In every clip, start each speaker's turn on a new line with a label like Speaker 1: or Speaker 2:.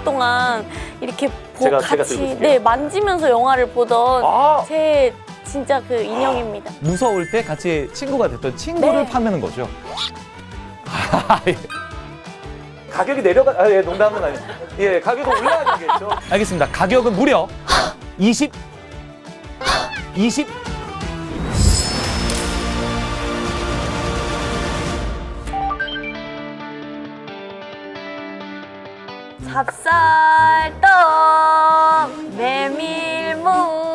Speaker 1: 오랫동안 이렇게
Speaker 2: 제가
Speaker 1: 같이
Speaker 2: 들고 있을게요.
Speaker 1: 네, 만지면서 영화를 보던
Speaker 2: 아.
Speaker 1: 제 진짜 그 인형입니다.
Speaker 3: 무서울 때 같이 친구가 됐던 친구를
Speaker 1: 네.
Speaker 3: 파는 거죠.
Speaker 2: 가격이 내려가, 예, 농담은 아니죠. 예, 가격이 올라가겠죠.
Speaker 3: 알겠습니다. 가격은 무려 20
Speaker 1: 찹쌀떡, 메밀묵,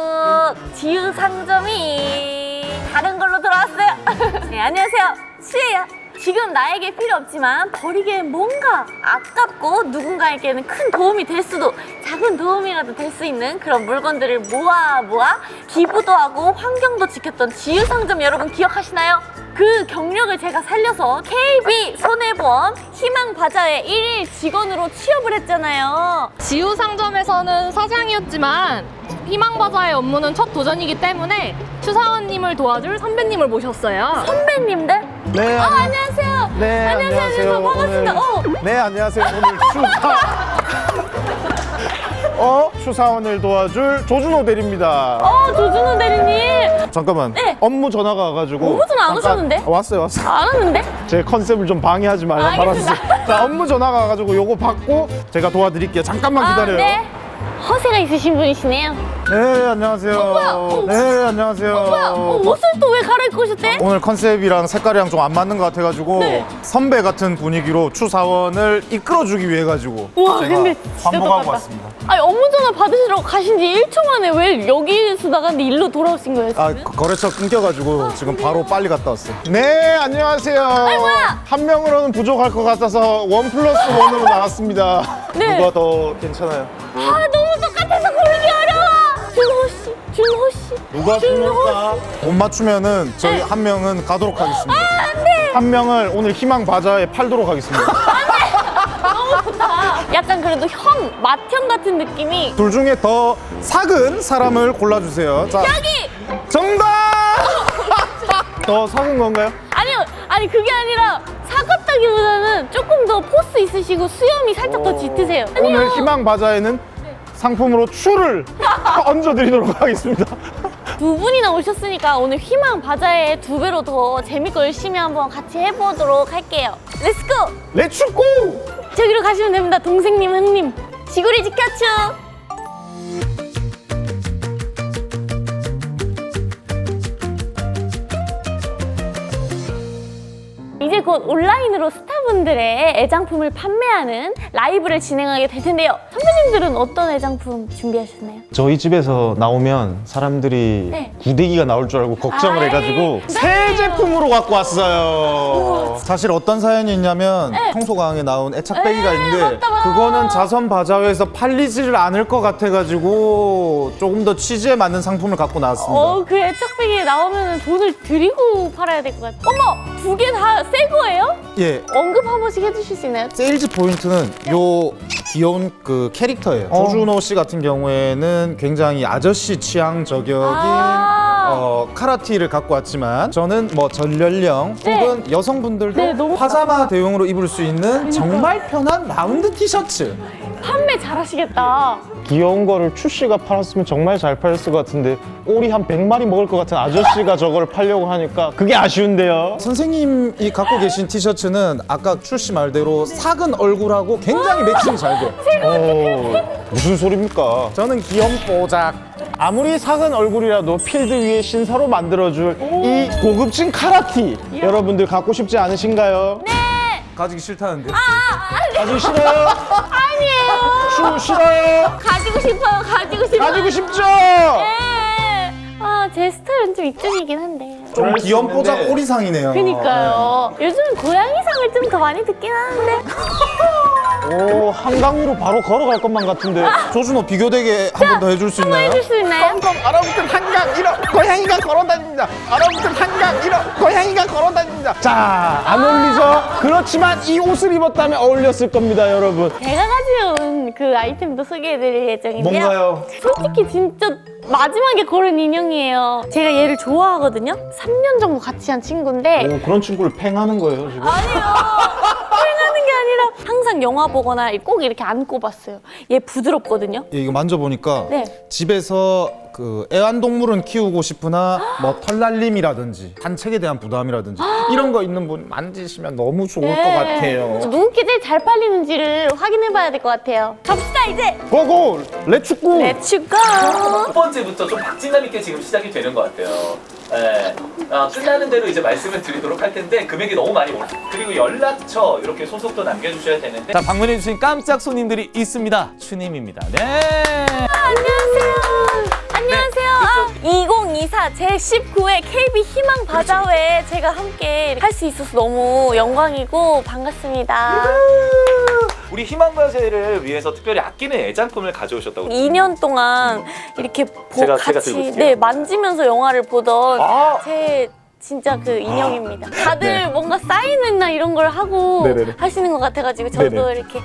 Speaker 1: 지유상점이 다른 걸로 돌아왔어요. 네, 안녕하세요. 수예요. 지금 나에게 필요 없지만 버리기엔 뭔가 아깝고 누군가에게는 큰 도움이 될 수도, 작은 도움이라도 될 수 있는 그런 물건들을 모아 기부도 하고 환경도 지켰던 지유상점 여러분 기억하시나요? 그 경력을 제가 살려서 KB손해보험 희망바자회 1일 직원으로 취업을 했잖아요.
Speaker 4: 지우상점에서는 사장이었지만 희망바자의 업무는 첫 도전이기 때문에 추사원님을 도와줄 선배님을 모셨어요.
Speaker 1: 선배님들?
Speaker 5: 네,
Speaker 1: 안녕하세요.
Speaker 5: 네,
Speaker 1: 안녕하세요. 반갑습니다.
Speaker 5: 네, 안녕하세요. 오늘 추사원을 도와줄 조준호 대리입니다.
Speaker 1: 조준호 대리님.
Speaker 5: 잠깐만.
Speaker 1: 네.
Speaker 5: 업무 전화가 와가지고.
Speaker 1: 업무 전화 안
Speaker 5: 잠깐-
Speaker 1: 오셨는데?
Speaker 5: 왔어요.
Speaker 1: 안 왔는데?
Speaker 5: 제 컨셉을 좀 방해하지 말라
Speaker 1: 알겠습니다.
Speaker 5: 말았어요. 자, 업무 전화가 와가지고 요거 받고 제가 도와드릴게요. 잠깐만 기다려요.
Speaker 1: 네. 허세가 있으신 분이시네요.
Speaker 5: 네, 안녕하세요.
Speaker 1: 뭐야?
Speaker 5: 네, 안녕하세요.
Speaker 1: 뭐야? 옷을 또 왜 갈아입고 오셨대?
Speaker 5: 오늘 컨셉이랑 색깔이랑 좀 안 맞는 것 같아가지고
Speaker 1: 네.
Speaker 5: 선배 같은 분위기로 추사원을 이끌어주기 위해 가지고
Speaker 1: 우와,
Speaker 5: 제가
Speaker 1: 근데 진짜
Speaker 5: 광복하고
Speaker 1: 똑같다.
Speaker 5: 왔습니다.
Speaker 1: 아니, 업무 전화 받으시러 가신 지 1초 만에 왜 여기서 나갔는데 일로 돌아오신 거예요,
Speaker 5: 아,
Speaker 1: 지금?
Speaker 5: 거래처 끊겨가지고 지금 바로 빨리 갔다 왔어요. 네, 안녕하세요.
Speaker 1: 뭐야?
Speaker 5: 한 명으로는 부족할 것 같아서 1+1으로 나왔습니다.
Speaker 1: 네.
Speaker 5: 누가 더 괜찮아요?
Speaker 1: 아, 너무 똑같아서 고르기 어려워. 준호 씨, 준호 씨.
Speaker 5: 누가 죽을까? 못 맞추면은 저희
Speaker 1: 네.
Speaker 5: 한 명은 가도록 하겠습니다.
Speaker 1: 안 돼.
Speaker 5: 한 명을 오늘 희망 바자에 팔도록 하겠습니다.
Speaker 1: 약간 그래도 형, 맏형 같은 느낌이.
Speaker 5: 둘 중에 더 작은 사람을 골라주세요. 자,
Speaker 1: 여기!
Speaker 5: 정답! 더 작은 건가요?
Speaker 1: 아니요, 아니 그게 아니라 사갑다기보다는 조금 더 포스 있으시고 수염이 살짝 더 짙으세요. 아니요.
Speaker 5: 오늘 희망 바자에는 상품으로 추를 얹어드리도록 하겠습니다.
Speaker 1: 두 분이나 오셨으니까 오늘 희망 바자회 2배로 더 재밌고 열심히 한번 같이 해보도록 할게요. 렛츠고!
Speaker 5: 렛츠고!
Speaker 1: 저기로 가시면 됩니다. 동생님, 형님. 지구를 지켜줘! 이제 곧 온라인으로 스타분들의 애장품을 판매하는 라이브를 진행하게 될 텐데요. 선배님들은 어떤 애장품 준비하셨나요?
Speaker 6: 저희 집에서 나오면 사람들이
Speaker 1: 네.
Speaker 6: 구데기가 나올 줄 알고 걱정을
Speaker 1: 아이,
Speaker 6: 해가지고
Speaker 1: 네.
Speaker 6: 새 제품으로 갖고 왔어요.
Speaker 5: 사실 어떤 사연이 있냐면 청소강에 나온 애착배기가 있는데
Speaker 1: 맞다, 맞다.
Speaker 5: 그거는 자선 바자회에서 팔리지를 않을 것 같아가지고 조금 더 취지에 맞는 상품을 갖고 나왔습니다.
Speaker 1: 그 애착백이 나오면 돈을 드리고 팔아야 될 것 같아요. 어머! 2개 다 새 거예요?
Speaker 5: 예,
Speaker 1: 언급 한 번씩 해주실 수 있나요?
Speaker 5: 세일즈 포인트는 요 귀여운 그 캐릭터예요. 조준호 씨 같은 경우에는 굉장히 아저씨 취향 저격인 카라티를 갖고 왔지만 저는 뭐 전연령
Speaker 1: 네.
Speaker 5: 혹은 여성분들도
Speaker 1: 네, 너무
Speaker 5: 파자마 대용으로 입을 수 있는 정말 편한 라운드 티셔츠.
Speaker 1: 판매 잘하시겠다.
Speaker 6: 귀여운 거를 추씨가 팔았으면 정말 잘 팔렸을 것 같은데 오리 한 100마리 먹을 것 같은 아저씨가 저걸 팔려고 하니까 그게 아쉬운데요.
Speaker 5: 선생님이 갖고 계신 티셔츠는 아까 출시 말대로 작은 얼굴하고 굉장히 매칭이 잘 돼요.
Speaker 6: 무슨 소리입니까?
Speaker 5: 저는 귀염뽀작.
Speaker 6: 아무리 작은 얼굴이라도 필드 위에 신사로 만들어줄 이 고급진 카라티 여러분들 갖고 싶지 않으신가요?
Speaker 5: 가지기 싫다는데.
Speaker 6: 가지고 싫어요?
Speaker 1: 아니에요.
Speaker 6: 추 싫어요?
Speaker 1: 가지고 싶어요. 가지고 싶어요.
Speaker 6: 가지고 싶죠?
Speaker 1: 네. 제 스타일은 좀 이쪽이긴 한데.
Speaker 5: 좀 귀염뽀작 오리상이네요.
Speaker 1: 그니까요. 요즘은 고양이상을 좀 더 많이 듣긴 하는데.
Speaker 6: 오, 한강으로 바로 걸어갈 것만 같은데.
Speaker 5: 조준호 비교되게 한 번 더 해줄 수 있나요?
Speaker 1: 해줄 수 있나요?
Speaker 5: 얼어붙은 한강 이러 고양이가 걸어다닙니다. 얼어붙은 한강 이러 고양이가 걸어다닙니다.
Speaker 6: 자, 안 어울리죠? 그렇지만 이 옷을 입었다면 어울렸을 겁니다, 여러분.
Speaker 1: 제가 가져온 그 아이템도 소개해드릴 예정인데요.
Speaker 5: 뭔가요?
Speaker 1: 솔직히 진짜 마지막에 고른 인형이에요. 제가 얘를 좋아하거든요. 3년 정도 같이 한 친구인데
Speaker 6: 오, 그런 친구를 팽하는 거예요, 지금?
Speaker 1: 아니요. 수행하는 게 아니라 항상 영화 보거나 꼭 이렇게 안고 봤어요. 얘 부드럽거든요.
Speaker 5: 예, 이거 만져보니까
Speaker 1: 네.
Speaker 5: 집에서 그 애완동물은 키우고 싶으나 뭐 털날림이라든지 산책에 대한 부담이라든지 이런 거 있는 분 만지시면 너무 좋을 것 같아요.
Speaker 1: 누구께 제일 잘 팔리는지를 확인해봐야 될 것 같아요. 갑시다 이제.
Speaker 6: 고고! 렛츠고!
Speaker 1: 렛츠고.
Speaker 2: 첫 번째부터 좀 박진감 있게 지금 시작이 되는 것 같아요. 예. 끝나는 대로 이제 말씀을 드리도록 할 텐데 금액이 너무 많이 올라. 그리고 연락처 이렇게 소속도 남겨주셔야 되는데.
Speaker 3: 자, 방문해주신 깜짝 손님들이 있습니다. 추님입니다. 네.
Speaker 1: 안녕하세요. 2024 제19회 KB 희망 바자회에 제가 함께 할 수 있어서 너무 영광이고 반갑습니다.
Speaker 2: 우리 희망바제를 위해서 특별히 아끼는 애장품을 가져오셨다고.
Speaker 1: 2년 동안 이렇게
Speaker 2: 제가
Speaker 1: 같이
Speaker 2: 들고 있을게요.
Speaker 1: 만지면서 영화를 보던
Speaker 2: 아!
Speaker 1: 제 진짜 그 인형입니다. 다들 뭔가 사인회나 이런 걸 하고
Speaker 6: 네네네.
Speaker 1: 하시는 것 같아가지고 저도
Speaker 6: 네네.
Speaker 1: 이렇게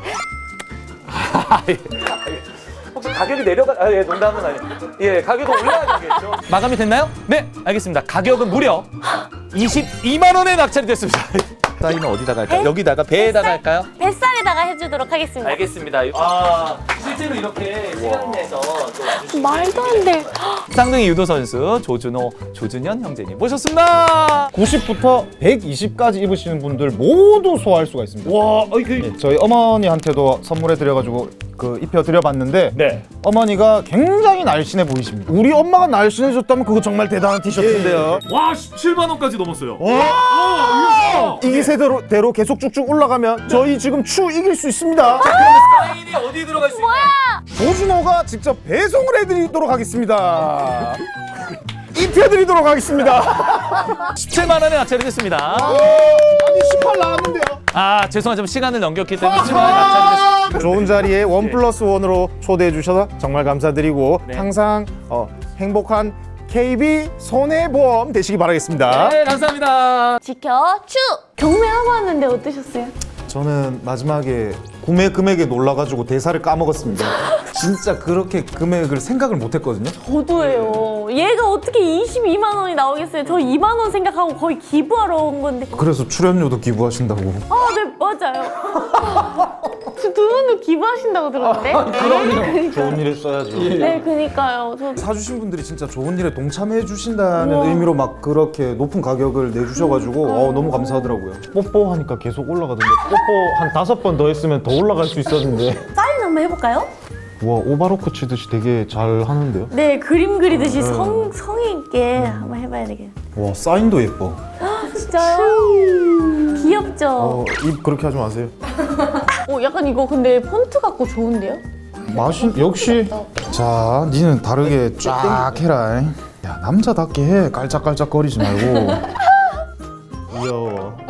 Speaker 2: 혹시 가격이 예, 농담은 아니에요. 예, 가격이 올라야 되겠죠.
Speaker 3: 마감이 됐나요? 네, 알겠습니다. 가격은 무려 22만 원에 낙찰이 됐습니다. 사인은 어디다가 할까요?
Speaker 1: 배?
Speaker 3: 여기다가 배에다가 할까요?
Speaker 1: 뱃살에다가 해주도록 하겠습니다.
Speaker 2: 알겠습니다. 실제로 이렇게 시간 내서 또 와주시고.
Speaker 1: 말도 안 돼.
Speaker 3: 쌍둥이 유도 선수 조준호, 조준현 형제님 모셨습니다.
Speaker 5: 90부터 120까지 입으시는 분들 모두 소화할 수가 있습니다.
Speaker 2: 와,
Speaker 5: 네, 저희 어머니한테도 선물해 드려가지고 그 입혀 드려봤는데
Speaker 2: 네.
Speaker 5: 어머니가 굉장히 날씬해 보이십니다. 우리 엄마가 날씬해졌다면 그거 정말 대단한 티셔츠인데요.
Speaker 3: 와, 17만 원까지 넘었어요.
Speaker 5: 이 기세대로 계속 쭉쭉 올라가면 저희 지금 추 이길 수 있습니다.
Speaker 2: 사인이 어디 들어갈 수 있나요?
Speaker 5: 조준호가 직접 배송을 해드리도록 하겠습니다. 입혀드리도록 하겠습니다.
Speaker 3: 17만 원에 낙찰이 됐습니다.
Speaker 5: 아니 18 나왔는데요.
Speaker 3: 아, 죄송하지만 시간을 넘겼기 때문에 17만 원에 낙찰이 됐습니다.
Speaker 5: 좋은 자리에 1+1으로 초대해 주셔서 정말 감사드리고
Speaker 3: 네.
Speaker 5: 항상 행복한 KB 손해보험 되시기 바라겠습니다.
Speaker 3: 네, 감사합니다.
Speaker 1: 지켜 추 경매하고 왔는데 어떠셨어요?
Speaker 5: 저는 마지막에 구매 금액에 놀라가지고 대사를 까먹었습니다. 진짜 그렇게 금액을 생각을 못했거든요.
Speaker 1: 저도예요. 얘가 어떻게 22만 원이 나오겠어요? 저 2만 원 생각하고 거의 기부하러 온 건데.
Speaker 5: 그래서 출연료도 기부하신다고.
Speaker 1: 네 맞아요. 두 분도 기부하신다고 들었는데.
Speaker 5: 그럼요. 좋은 일에 써야죠.
Speaker 1: 네, 그니까요. 저
Speaker 5: 사주신 분들이 진짜 좋은 일에 동참해 주신다는 의미로 막 그렇게 높은 가격을 내주셔가지고 너무 감사하더라고요. 뽀뽀하니까 계속 올라가던데 뽀뽀 한 5번 더 했으면 더 올라갈 수 있었는데.
Speaker 1: 사인 한번 해볼까요?
Speaker 5: 와 오바로크 치듯이 되게 잘 하는데요.
Speaker 1: 네, 그림 그리듯이 성의 있게 한번 해봐야 되겠네요.
Speaker 5: 와 사인도 예뻐.
Speaker 1: 진짜요? 귀엽죠?
Speaker 5: 입 그렇게 하지 마세요.
Speaker 1: 약간 이거 근데 폰트 같고 좋은데요?
Speaker 5: 맛이 역시. 자 니는 다르게 쫙 해라. 야 남자답게 해. 깔짝깔짝거리지 말고. 귀여워.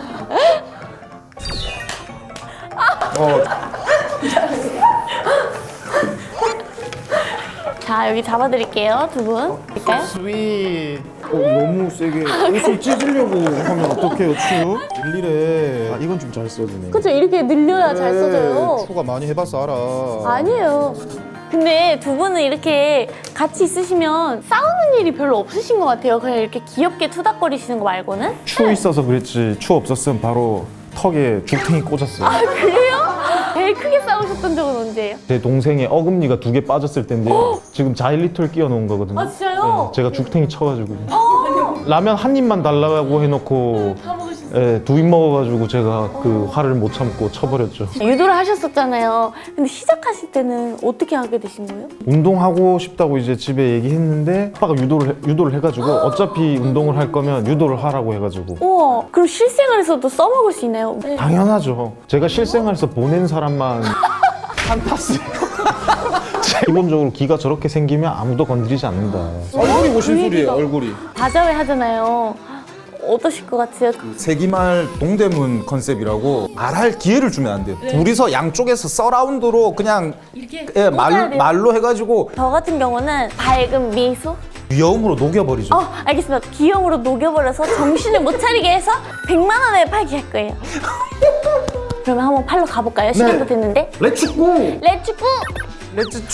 Speaker 1: 자, 여기 잡아드릴게요, 두 분. 될까요?
Speaker 5: 스윗. 너무 세게 옷을 찢으려고 하면 어떡해요, 추? 일일에. 이건 좀 잘 써주네.
Speaker 1: 그쵸, 이렇게 늘려야 잘 써져요.
Speaker 5: 추가 많이 해봐서 알아.
Speaker 1: 아니에요. 근데 두 분은 이렇게 같이 있으시면 싸우는 일이 별로 없으신 것 같아요. 그냥 이렇게 귀엽게 투닥거리시는 거 말고는.
Speaker 5: 추 있어서 그랬지. 추 없었으면 바로 턱에 죽탱이 꽂았어요.
Speaker 1: 그래요? 제일 크게 싸우셨던 적은 언제예요?
Speaker 5: 제 동생의 어금니가 2개 빠졌을 텐데요. 지금 자일리톨 끼워 놓은 거거든요.
Speaker 1: 아, 진짜요?
Speaker 5: 네, 제가 죽탱이 쳐가지고. 라면 한 입만 달라고 해놓고 네, 2입 먹어가지고 제가 그 화를 못 참고 쳐버렸죠.
Speaker 1: 유도를 하셨었잖아요. 근데 시작하실 때는 어떻게 하게 되신 거예요?
Speaker 5: 운동하고 싶다고 이제 집에 얘기했는데 아빠가 유도를 해가지고 어차피 운동을 할 거면 유도를 하라고 해가지고.
Speaker 1: 우와, 그럼 실생활에서도 써먹을 수 있나요? 네.
Speaker 5: 당연하죠. 제가 실생활에서 보낸 사람만 판타스예요. 기본적으로 기가 저렇게 생기면 아무도 건드리지 않는다.
Speaker 6: 얼굴이 무슨
Speaker 1: 그
Speaker 6: 소리예요,
Speaker 1: 얘기가-
Speaker 6: 얼굴이?
Speaker 1: 바자회 하잖아요. 어떠실 것 같아요?
Speaker 5: 세기말 동대문 컨셉이라고 말할 기회를 주면 안 돼요. 둘이서 양쪽에서 서라운드로 그냥
Speaker 1: 꽂아야 돼요.
Speaker 5: 말로 해가지고
Speaker 1: 저 같은 경우는 밝은 미소?
Speaker 5: 위험으로 녹여버리죠.
Speaker 1: 알겠습니다. 귀여움으로 녹여버려서 정신을 못 차리게 해서 100만 원에 팔게 할 거예요. 그러면 한번 팔러 가볼까요? 시간도 됐는데.
Speaker 5: 렛츠고!
Speaker 1: 렛츠고!
Speaker 5: 렛츠추!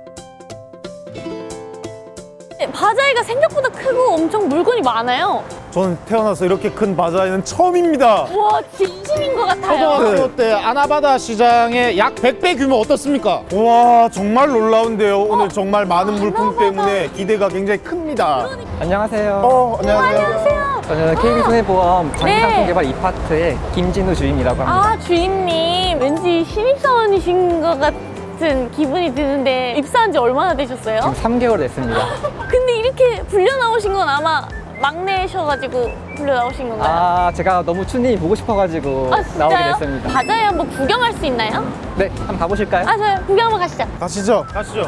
Speaker 1: 바자회가 생각보다 크고 엄청 물건이 많아요.
Speaker 5: 저는 태어나서 이렇게 큰 바자회는 처음입니다.
Speaker 1: 와, 진심인 것 같아요.
Speaker 6: 초등학교 때 아나바다 시장의 약 100배 규모 어떻습니까?
Speaker 5: 와, 정말 놀라운데요. 오늘 정말 많은 물품 때문에 기대가 굉장히 큽니다.
Speaker 7: 안녕하세요.
Speaker 1: 안녕하세요.
Speaker 7: 저는 KB손해보험 장기상품
Speaker 1: 네.
Speaker 7: 개발 2파트의 김진우 주임이라고 합니다.
Speaker 1: 아, 주임님. 왠지 신입사원이신 것 같은 기분이 드는데 입사한 지 얼마나 되셨어요?
Speaker 7: 지금 3개월 됐습니다.
Speaker 1: 근데 이렇게 불려 나오신 건 아마 막내셔가지고 불려 나오신 건가요?
Speaker 7: 아, 제가 너무 춘님이 보고 싶어가지고
Speaker 1: 아, 진짜요?
Speaker 7: 나오게 됐습니다.
Speaker 1: 바자회 한번 구경할 수 있나요?
Speaker 7: 네, 한번 가보실까요?
Speaker 1: 아, 저요. 구경 한번 가시죠.
Speaker 5: 가시죠. 가시죠.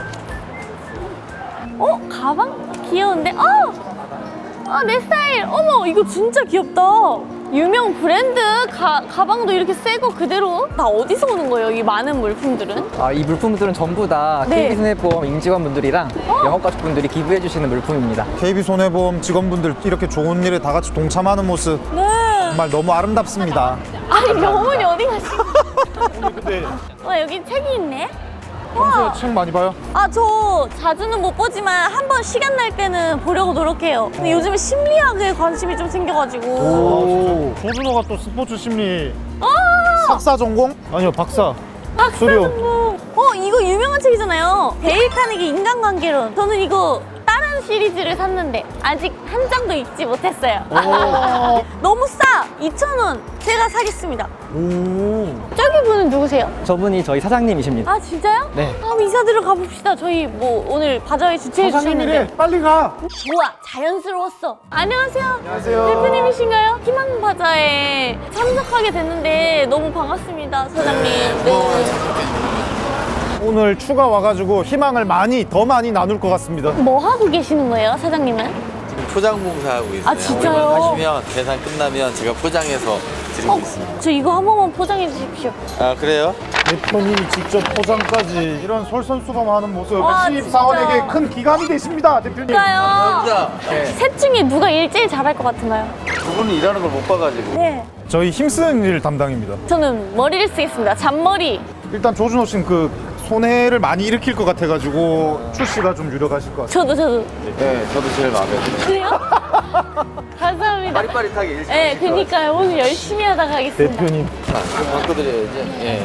Speaker 1: 어? 가방? 귀여운데? 내 스타일! 어머, 이거 진짜 귀엽다. 유명 브랜드 가방도 이렇게 새 거 그대로 다 어디서 오는 거예요? 이 많은 물품들은?
Speaker 7: 아, 이 물품들은 전부 다
Speaker 1: 네.
Speaker 7: KB손해보험 임직원분들이랑 영업가족분들이 기부해주시는 물품입니다.
Speaker 5: KB손해보험 직원분들 이렇게 좋은 일에 다 같이 동참하는 모습
Speaker 1: 네.
Speaker 5: 정말 너무 아름답습니다.
Speaker 1: 아니, 명훈이 어디 가시고?
Speaker 5: 근데
Speaker 1: 와, 여기 책이 있네?
Speaker 5: 평소에
Speaker 1: 와.
Speaker 5: 책 많이 봐요?
Speaker 1: 아, 저 자주는 못 보지만 한 번 시간 날 때는 보려고 노력해요. 근데 요즘에 심리학에 관심이 좀 생겨가지고.
Speaker 5: 조준호가 또 스포츠 심리
Speaker 1: 아!
Speaker 5: 석사 전공? 아니요, 박사. 수료.
Speaker 1: 박사전공. 이거 유명한 책이잖아요. 데일 카네기 인간관계론. 저는 이거 다른 시리즈를 샀는데 아직 한 장도 읽지 못했어요. 너무 싸. 2,000원. 제가 사겠습니다. 저기 분은 누구세요?
Speaker 7: 저분이 저희 사장님이십니다.
Speaker 1: 아, 진짜요?
Speaker 7: 네.
Speaker 1: 아, 인사드려 가봅시다. 저희 뭐 오늘 바자회 주최해 주셨는데.
Speaker 5: 빨리 가.
Speaker 1: 좋아, 자연스러웠어. 안녕하세요. 안녕하세요. 대표님이신가요? 희망 바자에 참석하게 됐는데 너무 반갑습니다, 사장님. 네.
Speaker 5: 오늘 추가 와가지고 희망을 더 많이 나눌 것 같습니다.
Speaker 1: 뭐 하고 계시는 거예요, 사장님은?
Speaker 8: 포장봉사하고 있어요.
Speaker 1: 아, 진짜요?
Speaker 8: 하시면 계산 끝나면 제가 포장해서 드리고 있습니다.
Speaker 1: 저 이거 한 번만 포장해 주십시오.
Speaker 8: 아 그래요?
Speaker 5: 대표님이 직접 포장까지 이런 솔선수범하는 모습
Speaker 1: 와,
Speaker 5: 신입사원에게
Speaker 1: 진짜.
Speaker 5: 큰 기감이 되십니다, 대표님.
Speaker 1: 그러니까요. 셋 중에 누가 일 제일 잘할 것 같은가요?
Speaker 8: 두 분이 일하는 걸 못 봐가지고.
Speaker 1: 네.
Speaker 5: 저희 힘쓰는 일 담당입니다.
Speaker 1: 저는 머리를 쓰겠습니다. 잔머리.
Speaker 5: 일단 조준호 씨는 그 손해를 많이 일으킬 것 같아가지고 출시가 좀 유력하실 것 같아요.
Speaker 1: 저도.
Speaker 8: 네, 저도 제일 마음에 들어요.
Speaker 1: 그래요? 감사합니다.
Speaker 8: 빠릿빠릿하게 일
Speaker 1: 네, 그니까요. 오늘 열심히 하다 가겠습니다.
Speaker 5: 대표님.
Speaker 8: 바꿔드려야지. 예.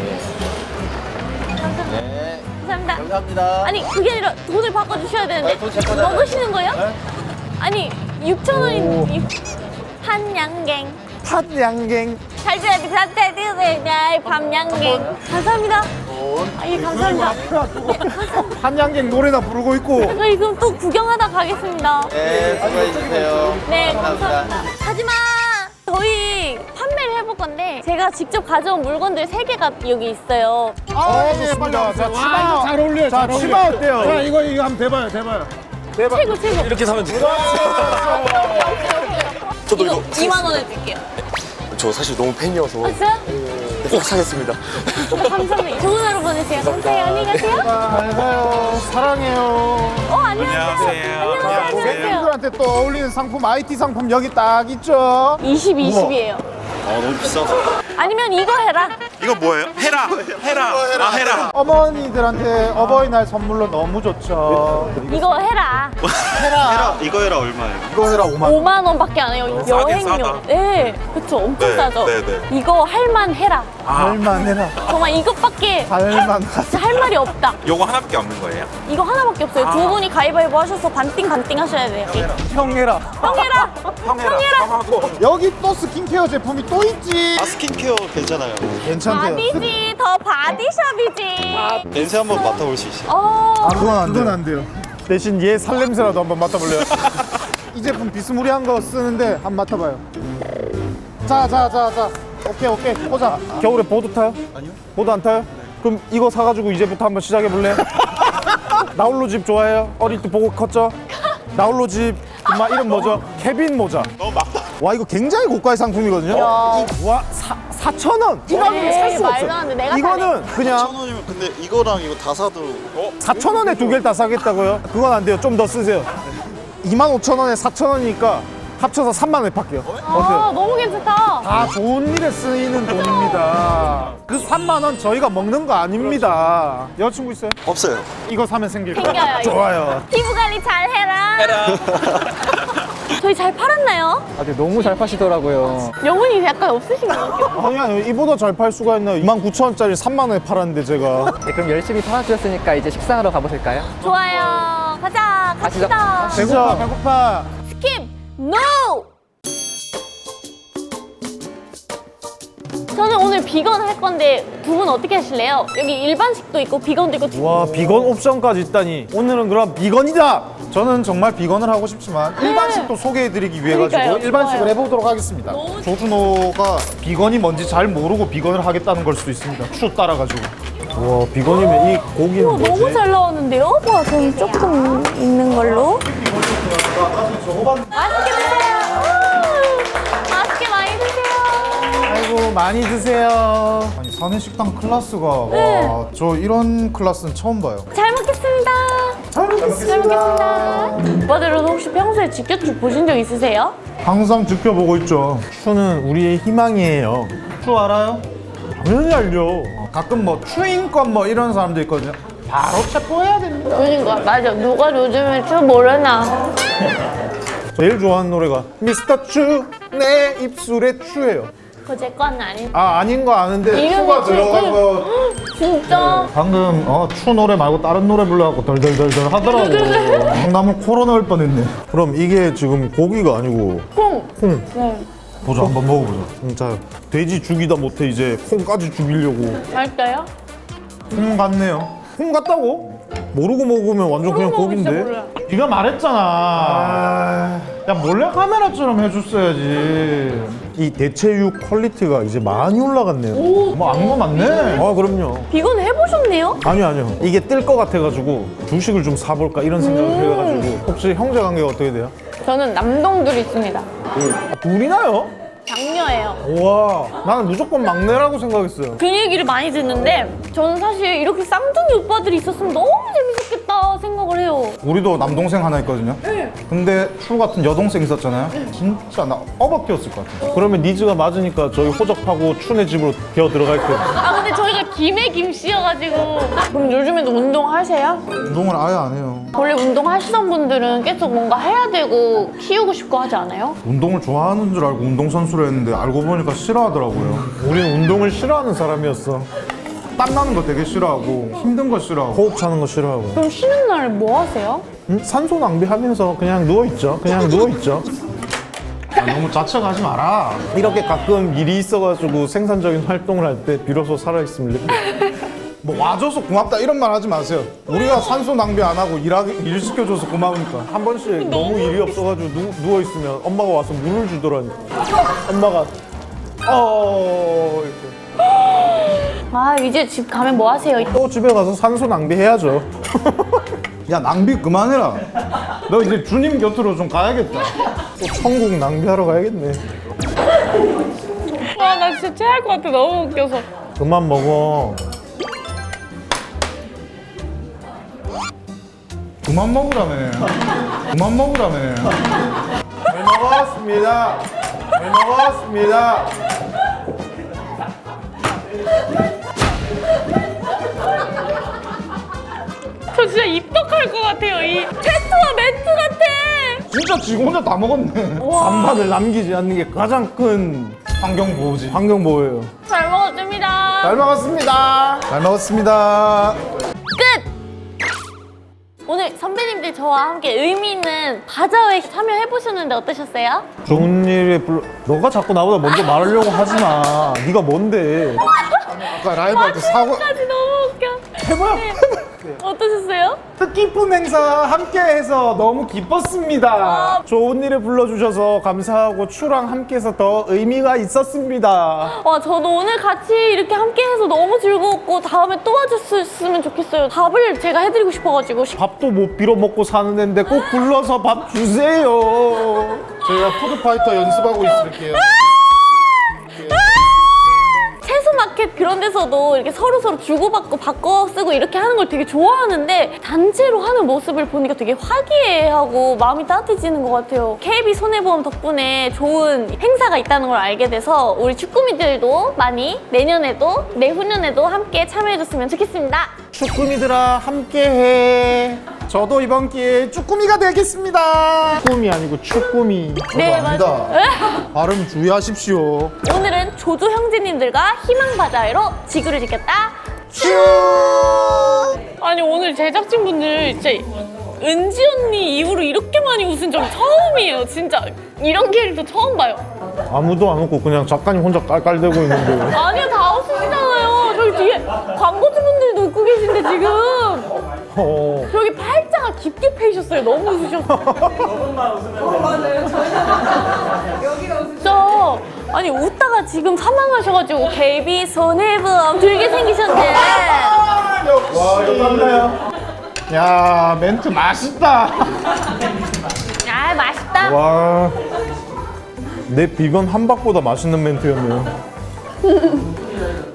Speaker 8: 네.
Speaker 1: 감사합니다.
Speaker 8: 감사합니다.
Speaker 1: 아니, 그게 아니라 돈을 바꿔주셔야 되는데.
Speaker 8: 아, 돈제 거잖아요.
Speaker 1: 먹으시는 거예요? 아니, 6,000원인 한양갱.
Speaker 5: 팥양갱.
Speaker 1: 잘 줘야지. 밤양갱. 감사합니다. 예, 감사합니다.
Speaker 5: 한양갱 노래나 부르고 있고.
Speaker 1: 저희 그럼 또 구경하다 가겠습니다.
Speaker 8: 네, 수고해주세요.
Speaker 1: 네, 감사합니다. 하지마! 저희 판매를 해볼 건데 제가 직접 가져온 물건들 3개가 여기 있어요.
Speaker 5: 좋습니다. 자, 치마.
Speaker 6: 잘 어울려요.
Speaker 5: 자,
Speaker 6: 잘 어울려요.
Speaker 5: 치마 어때요?
Speaker 6: 자, 이거 한번 대봐요.
Speaker 1: 최고.
Speaker 2: 이렇게 사면 돼요.
Speaker 1: 저도 이거 2만 원에 드릴게요.
Speaker 9: 저 사실 너무 팬이어서
Speaker 1: 아, 진짜요?
Speaker 9: 꼭 사겠습니다.
Speaker 1: 감사합니다. 좋은 하루 보내세요. 감사해요. 안녕히 가세요.
Speaker 5: 잘 가요. 사랑해요.
Speaker 1: 안녕하세요. 안녕하세요.
Speaker 5: 고객님들한테 또 어울리는 상품, IT 상품 여기 딱 있죠.
Speaker 1: 20, 20이에요.
Speaker 9: 너무 비싸서.
Speaker 1: 아니면 이거 해라.
Speaker 9: 이거 뭐예요? 해라.
Speaker 5: 어머니들한테 어버이날 선물로 너무 좋죠.
Speaker 1: 이거 해라.
Speaker 9: 이거 해라 얼마예요?
Speaker 5: 이거 해라 5만 원.
Speaker 1: 5만 원밖에 안 해요. 여행료.
Speaker 9: 싸다.
Speaker 1: 네, 그쵸. 엄청
Speaker 9: 네,
Speaker 1: 싸죠.
Speaker 9: 네, 네.
Speaker 1: 이거 할만 해라.
Speaker 5: 할만해라.
Speaker 1: 정말 이것밖에
Speaker 5: 할만하다.
Speaker 1: 진짜 할 말이 없다.
Speaker 9: 요거 하나밖에 없는 거예요?
Speaker 1: 이거 하나밖에 없어요. 두 분이 가위바위보 하셔서 반띵 하셔야 돼요.
Speaker 5: 형해라.
Speaker 1: 형해라.
Speaker 9: 형하고.
Speaker 5: 여기 또 스킨케어 제품이 또 있지.
Speaker 9: 아 스킨케어 괜찮아요.
Speaker 5: 괜찮대요.
Speaker 1: 바디지, 더 바디샵이지.
Speaker 9: 냄새 한번 맡아볼 수 있어요?
Speaker 1: 어,
Speaker 5: 그건 안 돼요. 대신 얘 살냄새라도 한번 맡아볼래요? 이 제품 비스무리한 거 쓰는데 한번 맡아봐요. 자. 오케이. 보자. 겨울에 보드 타요? 아니요. 보드 안 타요? 그럼 이거 사가지고 이제부터 한번 시작해볼래요? 나홀로 집 좋아해요? 어릴 때 보고 컸죠? 나홀로 집 엄마 이름 뭐죠? 케빈 모자. 와 이거 굉장히 고가의 상품이거든요. 와 4,000원. 이 가격에 살 수가
Speaker 1: 말도 안
Speaker 5: 없어요.
Speaker 1: 돼. 내가
Speaker 5: 이거는 그냥
Speaker 9: 1,000원이면 근데 이거랑 이거 다 사도
Speaker 5: 4,000원에 두 개를 다 사겠다고요? 그건 안 돼요. 좀 더 쓰세요. 25,000원에 4,000원이니까 합쳐서 3만 원에 팔게요. 어때요?
Speaker 1: 너무 괜찮다.
Speaker 5: 다 좋은 일에 쓰이는 돈입니다. 그 3만 원 저희가 먹는 거 아닙니다. 여자친구 있어요?
Speaker 9: 없어요.
Speaker 5: 이거 사면 생길 거예요.
Speaker 1: 생겨요, 이거.
Speaker 5: 좋아요.
Speaker 1: 피부 관리 잘 해라. 저희 잘 팔았나요?
Speaker 7: 아, 네, 너무 잘 파시더라고요.
Speaker 1: 영혼이 약간 없으신 것 같아요.
Speaker 6: 아니야, 이보다 잘 팔 수가 있나요? 29,000원짜리 3만 원에 팔았는데 제가.
Speaker 7: 네, 그럼 열심히 팔아주셨으니까 이제 식사하러 가보실까요?
Speaker 1: 좋아요. 가자.
Speaker 7: 가시죠.
Speaker 1: 갑시다.
Speaker 6: 배고파, 배고파.
Speaker 1: 스킵. NO! 저는 오늘 비건 할 건데 두 분 어떻게 하실래요? 여기 일반식도 있고 비건도 있고
Speaker 6: 와, 비건 옵션까지 있다니. 오늘은 그럼 비건이다.
Speaker 5: 저는 정말 비건을 하고 싶지만 일반식도 소개해드리기 위해 가지고
Speaker 1: 그러니까요.
Speaker 5: 일반식을
Speaker 1: 좋아요.
Speaker 5: 해보도록 하겠습니다. 조준호가 비건이 뭔지 잘 모르고 비건을 하겠다는 걸 수도 있습니다. 추 따라가지고.
Speaker 6: 와, 비건이면 이 고기는
Speaker 1: 어, 너무
Speaker 6: 뭐지?
Speaker 1: 잘 나왔는데요? 와, 저는 조금 있는 걸로. 맛있게 드세요. 맛있게 많이 드세요.
Speaker 5: 아이고 많이 드세요. 아니 사내식당 클래스가 와, 저 이런 클래스는 처음 봐요.
Speaker 1: 잘 먹겠습니다. 잘 먹겠습니다. 오빠들은 혹시 평소에 직격추 보신 적 있으세요?
Speaker 5: 항상 지켜보고 있죠.
Speaker 6: 추는 우리의 희망이에요.
Speaker 5: 추 알아요?
Speaker 6: 당연히 알죠.
Speaker 5: 가끔 뭐 추인권 뭐 이런 사람도 있거든요. 바로 체포해야 됩니다.
Speaker 1: 그러니까 맞아. 누가 요즘에 추 모르나.
Speaker 6: 제일 좋아하는 노래가 미스터 추, 내 입술에 추예요.
Speaker 1: 그거 제 건 아닌데.
Speaker 5: 아 아닌 거 아는데
Speaker 1: 이름이
Speaker 5: 추가
Speaker 1: 추-
Speaker 5: 들어가서
Speaker 1: 진짜.
Speaker 5: 방금 추 노래 말고 다른 노래 불러갖고 덜덜덜덜 하더라고. 나무 코로 넣을 뻔했네.
Speaker 6: 그럼 이게 지금 고기가 아니고
Speaker 1: 콩.
Speaker 6: 콩.
Speaker 1: 네.
Speaker 5: 보자 한번 먹어보자.
Speaker 6: 자, 돼지 죽이다 못해 이제 콩까지 죽이려고.
Speaker 1: 맛있어요?
Speaker 5: 콩 같네요.
Speaker 6: 콩 같다고? 모르고 먹으면 완전 그냥
Speaker 1: 모르고 진짜
Speaker 6: 고기인데.
Speaker 1: 몰라요.
Speaker 5: 네가 말했잖아. 야 몰래 카메라처럼 해줬어야지.
Speaker 6: 이 대체육 퀄리티가 이제 많이 올라갔네요.
Speaker 5: 뭐 안 거 맞네.
Speaker 6: 아, 그럼요.
Speaker 1: 비건 해보셨네요?
Speaker 6: 아니요. 이게 뜰 것 같아가지고 주식을 좀 사볼까 이런 생각을 해가지고.
Speaker 5: 혹시 형제 관계가 어떻게 돼요?
Speaker 1: 저는 남동둘 있습니다.
Speaker 6: 둘이나요?
Speaker 1: 장녀예요.
Speaker 6: 우와, 나는 무조건 막내라고 생각했어요.
Speaker 1: 그 얘기를 많이 듣는데 저는 사실 이렇게 쌍둥이 오빠들이 있었으면 너무 재밌었겠다 생각을 해요.
Speaker 5: 우리도 남동생 하나 있거든요. 근데 추 같은 여동생 있었잖아요. 진짜 나 어버 키웠을 것 같아.
Speaker 6: 그러면 니즈가 맞으니까 저희 호적하고 춘의 집으로 기어 들어갈게요.
Speaker 1: 아 근데 저희가 김에 김씨여가지고. 그럼 요즘에도 운동하세요?
Speaker 5: 운동을 아예 안 해요.
Speaker 1: 원래 운동하시던 분들은 계속 뭔가 해야 되고 키우고 싶고 하지 않아요?
Speaker 5: 운동을 좋아하는 줄 알고 운동선수를 했는데 알고 보니까 싫어하더라고요.
Speaker 6: 우리는 운동을 싫어하는 사람이었어.
Speaker 5: 땀나는 거 되게 싫어하고 힘든 거 싫어하고.
Speaker 6: 호흡 차는 거 싫어하고.
Speaker 1: 그럼 쉬는 날 뭐 하세요?
Speaker 6: 산소 낭비하면서 그냥 누워있죠.
Speaker 5: 아, 너무 자책하지 마라.
Speaker 6: 이렇게 가끔 일이 있어가지고 생산적인 활동을 할 때 비로소 살아있음을 느끼고.
Speaker 5: 뭐 와줘서 고맙다 이런 말 하지 마세요. 우리가 산소 낭비 안 하고 일 시켜줘서 고마우니까.
Speaker 6: 한 번씩 너무 일이 없어가지고 누워있으면 엄마가 와서 물을 주더라니까. 엄마가 이렇게.
Speaker 1: 아 이제 집 가면 뭐 하세요?
Speaker 6: 또 집에 가서 산소 낭비해야죠.
Speaker 5: 야 낭비 그만해라. 너 이제 주님 곁으로 좀 가야겠다.
Speaker 6: 또 천국 낭비하러 가야겠네.
Speaker 1: 와 나 진짜 체할 것 같아 너무 웃겨서.
Speaker 6: 그만 먹어.
Speaker 5: 그만 먹으라며. 그만 먹으라며.
Speaker 6: 잘 먹었습니다. 잘 먹었습니다.
Speaker 1: 저 진짜 입덕할 것 같아요. 이 테스트와 멘트 같아.
Speaker 5: 진짜 지 혼자 다 먹었네.
Speaker 6: 반반을 남기지 않는 게 가장 큰
Speaker 5: 환경 보호지.
Speaker 6: 환경 보호예요.
Speaker 1: 잘 먹었습니다.
Speaker 5: 잘 먹었습니다. 잘 먹었습니다.
Speaker 1: 끝! 오늘 선배님들 저와 함께 의미 있는 바자회 참여해보셨는데 어떠셨어요?
Speaker 6: 좋은 일에 너가 자꾸 나보다 먼저 말하려고 하지 마. 네가 뭔데?
Speaker 5: 아까 라이브 할 때 사고
Speaker 1: 까지 너무 웃겨.
Speaker 6: 해봐요.
Speaker 1: 어떠셨어요?
Speaker 6: 뜻깊은 행사 함께해서 너무 기뻤습니다. 좋은 일에 불러주셔서 감사하고 추랑 함께해서 더 의미가 있었습니다.
Speaker 1: 와 저도 오늘 같이 이렇게 함께해서 너무 즐거웠고 다음에 또 와줬으면 좋겠어요. 밥을 제가 해드리고 싶어가지고
Speaker 6: 밥도 못 빌어 먹고 사는 애인데 꼭 불러서 밥 주세요.
Speaker 5: 저희가 푸드파이터 연습하고 있을게요.
Speaker 1: 채소 마켓 그런 데서도 이렇게 서로 주고받고 바꿔 쓰고 이렇게 하는 걸 되게 좋아하는데 단체로 하는 모습을 보니까 되게 화기애애하고 마음이 따뜻해지는 것 같아요. KB 손해보험 덕분에 좋은 행사가 있다는 걸 알게 돼서 우리 쭈꾸미들도 많이 내년에도 내후년에도 함께 참여해줬으면 좋겠습니다.
Speaker 6: 쭈꾸미들아 함께해. 저도 이번 기회에 쭈꾸미가 되겠습니다. 쭈꾸미 아니고 쭈꾸미.
Speaker 1: 네,
Speaker 5: 압니다. 발음 주의하십시오.
Speaker 1: 오늘은 조조 형제님들과 희망바자회로 지구를 지켰다. 아니 오늘 제작진분들 진짜 은지 언니 이후로 이렇게 많이 웃은 적 처음이에요. 진짜 이런 캐릭터 처음 봐요.
Speaker 6: 아무도 안 웃고 그냥 작가님 혼자 깔깔대고 있는데.
Speaker 1: 아니요, 다 웃으시잖아요. 저기 뒤에 광고주분들도 웃고 계신데 지금 저기 팔자가 깊게 패이셨어요. 너무 웃으셨어요. 저분만 웃으면 맞아요. 진짜 아니 웃다가 지금 사망하셔가지고 KB 손해보험 들게 생기셨네.
Speaker 6: 와 이거 땀나요. 야 멘트 맛있다.
Speaker 1: 아 맛있다.
Speaker 6: 와. 내 비건 함박보다 맛있는 멘트였네요.